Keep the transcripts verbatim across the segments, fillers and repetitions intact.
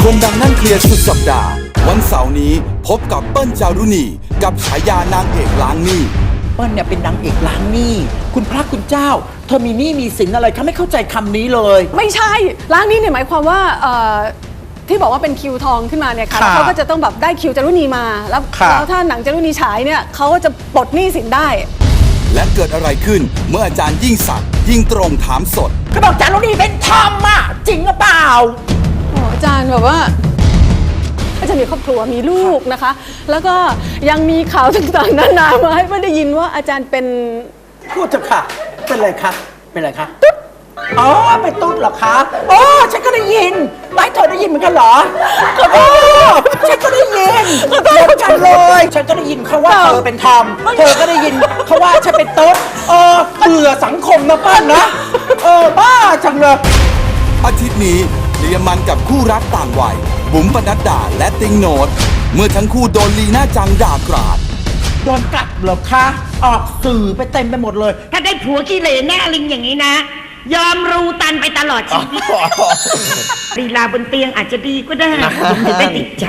คนดังนั่งเคลียร์สุดสัปดาห์วันเสาร์นี้พบกับเปิ้ลจารุณีกับฉายานางเอกล้างหนี้เปิ้ลเนี่ยเป็นนางเอกล้างหนี้คุณพระคุณเจ้าเธอมีหนี้มีสินอะไรคะไม่เข้าใจคำนี้เลยไม่ใช่ล้างหนี้เนี่ยหมายความว่าเอ่อที่บอกว่าเป็นคิวทองขึ้นมาเนี่ยค่ะแล้วเขาก็จะต้องแบบได้คิวจารุณีมาแล้วแล้วถ้าหนังจารุณีฉายเนี่ยเขาก็จะปลดหนี้สินได้และเกิดอะไรขึ้นเมื่ออาจารย์ยิ่งศักดิ์ยิ่งตรงถามสดก็บอกจารุณีเป็นทอมอ่ะจริงหรือเปล่าโอ้อาจารย์แบบว่าอาจารย์มีครอบครัวมีลูกนะคะ แล้วก็ยังมีข่าวต่างๆนานามาให้เพื่อนได้ยินว่าอาจารย์เป็นพูดเถอะค่ะเป็นอะไรคะเป็นอะไรคะตุ๊ดอ๋อเป็นตุ๊ดเหรอคะอ๋อฉันก็ได้ยินไม่เธอได้ยินเหมือนกันเหรอโอ้ฉันก็ได้ยินเหมือนกันเลยฉันก็ได้ยินเขาว่าเธอเป็นทอมเธอก็ได้ยินเขาว่าฉันเป็นตุ๊ดเออเบื่อสังคมนะป้านะเออบ้าจังเลยอาทิตย์นี้เคลียร์มันกับคู่รักต่างวัยบุ๋มปนัดดาและติงโนดเมื่อทั้งคู่โดนลีน่าจังด่ากราดโดนกัดเหรอคะ ออกสื่อไปเต็มไปหมดเลยถ้าได้ผัวขี้เหร่หน้าลิงอย่างนี้นะ ยอมรูตันไปตลอดชีวิตลีลาบนเตียงอาจจะดีก็ได้ผมจะได้ติดใจ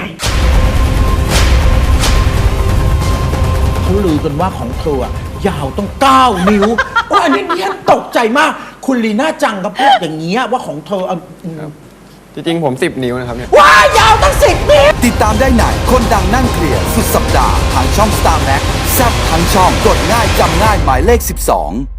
เขาลือกันว่าของเธออะยาวต้องเก้านิ้วโอ้อันนี้ฉันตกใจมาก คุณลีน่าจังก็พูดอย่างเงี้ยว่าของเธอเอาจริงๆผมสิบนิ้วนะครับเนี่ยว้ายาวตั้งสิบนิ้วติดตามได้ไหนคนดังนั่งเคลียร์สุดสัปดาห์ทางช่อง สตาร์แม็กซ์ แซ่บทั้งช่องกดง่ายจำง่ายหมายเลขสิบสอง